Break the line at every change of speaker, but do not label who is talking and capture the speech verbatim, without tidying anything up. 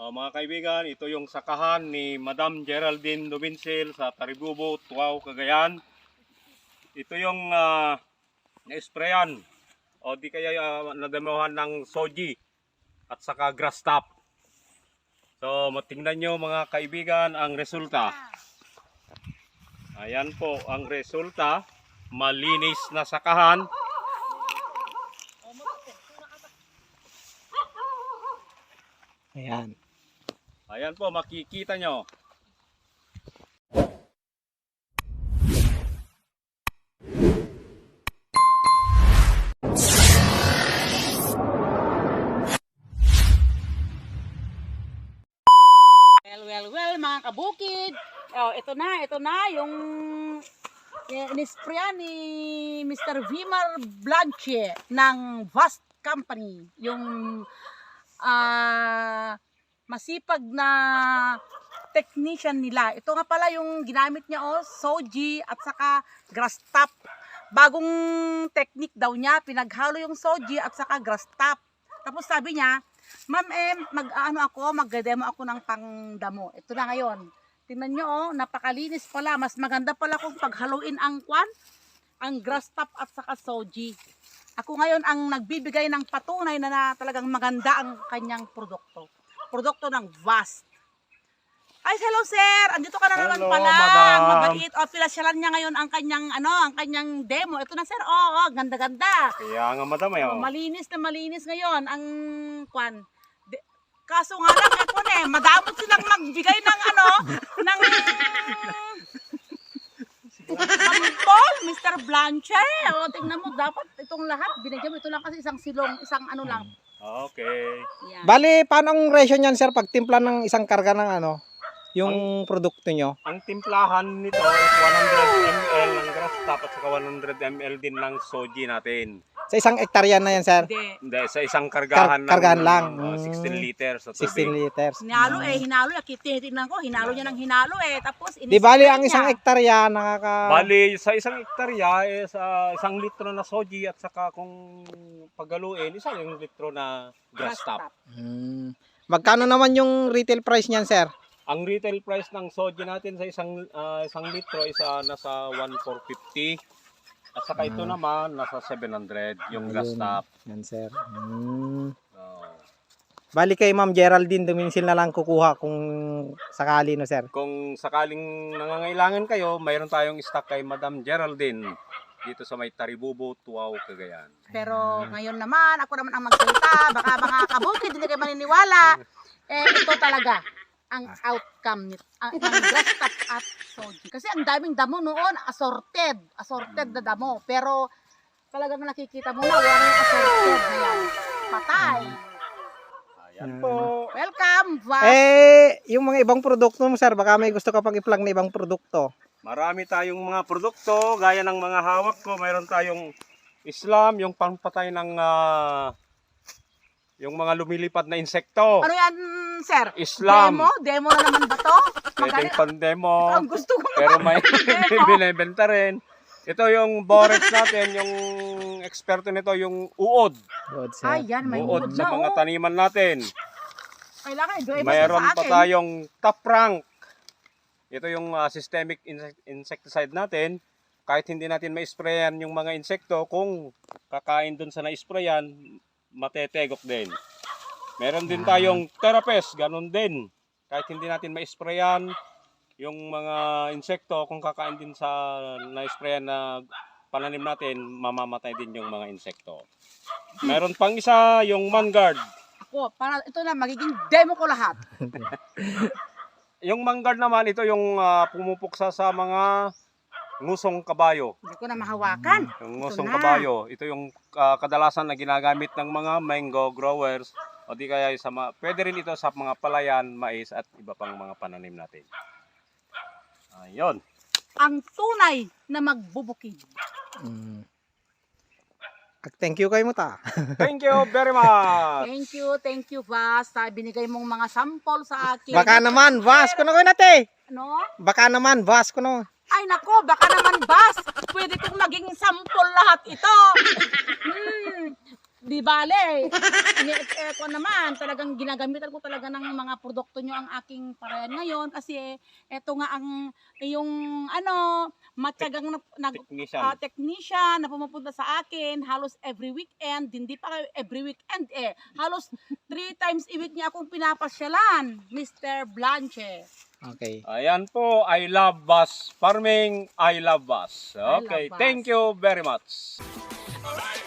Uh, mga kaibigan, ito yung sakahan ni Madam Geraldine Dubincil sa Taribubo, Tuaw, Cagayan. Ito yung uh, na-sprayan o di kaya uh, nadamuhan ng soji at saka grass top. So matingnan nyo mga kaibigan ang resulta. Ayan po ang resulta. Malinis na sakahan.
Ayan.
Ayan po, makikita nyo.
Well, well, well, mga kabukid. Oh, ito na, ito na yung inisprayan ni Mister Vimar Blanche ng Vast Company. Yung ah... Uh, masipag na technician nila. Ito nga pala yung ginamit niya, oh, soji at saka grass top. Bagong technique daw niya, pinaghalo yung soji at saka grass top. Tapos sabi niya, ma'am, eh, mag-ano ako, mag-demo ako ng pangdamo. Ito na ngayon. Tingnan nyo, oh, napakalinis pala. Mas maganda pala kung paghaluin ang kwan, ang grass top at saka soji. Ako ngayon ang nagbibigay ng patunay na, na talagang maganda ang kanyang produkto. Produkto ng Vast. Ay, hello sir. Andito ka na naman
Hello,
pala.
madam.
Mabait. O, pinasyalan niya ngayon ang kanyang ano, ang kanyang demo. Ito na sir. Oo, oh, ganda-ganda.
Kaya nga madam eh.
Oh, malinis na malinis ngayon ang kwan. De, kaso nga lang ako eh, madamot silang magbigay ng ano, ng sampol, Mister Blanche. O, tingnan mo, dapat itong lahat binigyan mo. Ito lang kasi isang silong, isang ano lang.
Okay.
Yan.
Bali, paano ang ratio niyan, sir, pag timpla ng isang karga ng ano, yung ang, produkto nyo?
Ang timplahan nito is one hundred milliliters ng grass top at saka one hundred milliliters din ng soji natin.
Sa isang hektarya na yan, sir?
Hindi.
Hindi, sa isang kargahan
Kar kargahan
ng
lang.
uh, sixteen liters sa tubig.
sixteen liters.
Hinalo eh, hinalo. Tinitingnan ko, hinalo niya ng hinalo eh. Tapos,
Di bali,
inispray
ang
niya.
isang hektarya nakaka...
Bali, sa isang hektarya, eh, sa isang litro na soji at saka kung pagaluin, isa yung litro na grass top.
Hmm. Magkano naman yung retail price niyan, sir?
Ang retail price ng soji natin sa isang uh, isang litro is uh, nasa one thousand four hundred fifty. At saka ito
Ah.
naman, nasa seven hundred yung grass
Ayun.
top.
Yan, sir. Hmm.
Oh.
Bali kay Ma'am Geraldine Dumincil na lang kukuha kung sakali, no, sir?
Kung sakaling nangangailangan kayo, mayroon tayong stock kay Madam Geraldine dito sa may Taribubo, Tuaw, Cagayan.
Pero ngayon naman, ako naman ang magsalita. Baka mga kabukid, hindi kayo maniniwala. Eh, ito talaga ang outcome nito. Ang, ang grass top at soji. Kasi ang daming damo noon, assorted. Assorted na damo. Pero talagang nakikita mo na, wala yung assorted na yan. Patay.
Ayan po.
Welcome, Vast.
Eh, yung mga ibang produkto mo, sir, baka may gusto ka pang i-plug na ibang produkto.
Marami tayong mga produkto, gaya ng mga hawak ko. Mayroon tayong Islam, yung pampatay ng uh, yung mga lumilipad na insekto.
Ano yan, sir?
Islam.
Demo? Demo na naman ba to?
Pwedeng
Magaling-
pandemo.
Ang gusto ko
Pero may
Demo.
binibenta rin. Ito yung borex natin, yung eksperto nito, yung uod.
Good, sir.
Ay, yan, may
Uod
uod
sa
na,
mga
oh.
taniman natin.
Kailangan i-drive
Mayroon
sa
pa
akin.
tayong top rank. Ito yung uh, systemic insect insecticide natin. Kahit hindi natin ma-sprayan yung mga insekto, kung kakain dun sa na-sprayan, matetegok din. Meron din tayong therapist, ganun din. Kahit hindi natin ma-sprayan yung mga insekto, kung kakain din sa na-sprayan na pananim natin, mamamatay din yung mga insekto. Meron pang isa, yung Mangard.
Ako, para ito na magiging demo ko lahat.
Yung Mangard naman, ito yung uh, pumupuksa sa mga ngusong kabayo.
Hindi ko na mahawakan.
Yung
Ito
ngusong
na.
kabayo. Ito yung uh, kadalasan na ginagamit ng mga mango growers. O di kaya sa mga, pwede rin ito sa mga palayan, mais at iba pang mga pananim natin. Ayun.
Ang tunay na magbubukid.
Mm. Thank you kayo mo ta.
Thank you very much.
Thank you, thank you, Vast. Sa binigay mong mga sample sa akin.
Baka naman, vas ko na ko nate.
Ano?
Baka naman, vas ko na.
Ay nako, baka naman, Vast. Pwede kong maging sample lahat ito. Hmm. di bale. Ini- eh, ko naman, talagang ginagamitan ko talaga ng mga produkto nyo ang aking parayan ngayon kasi eto nga ang yung ano, matyagang na, nag,
Technician.
ah, technician na pumupunta sa akin halos every weekend, hindi pa every weekend eh, halos three times a week niya akong pinapasyalan, Mister Blanche.
Okay.
Ayan po, I love bus farming, I love bus.
I love
Okay,
bus.
thank you very much.
Alright.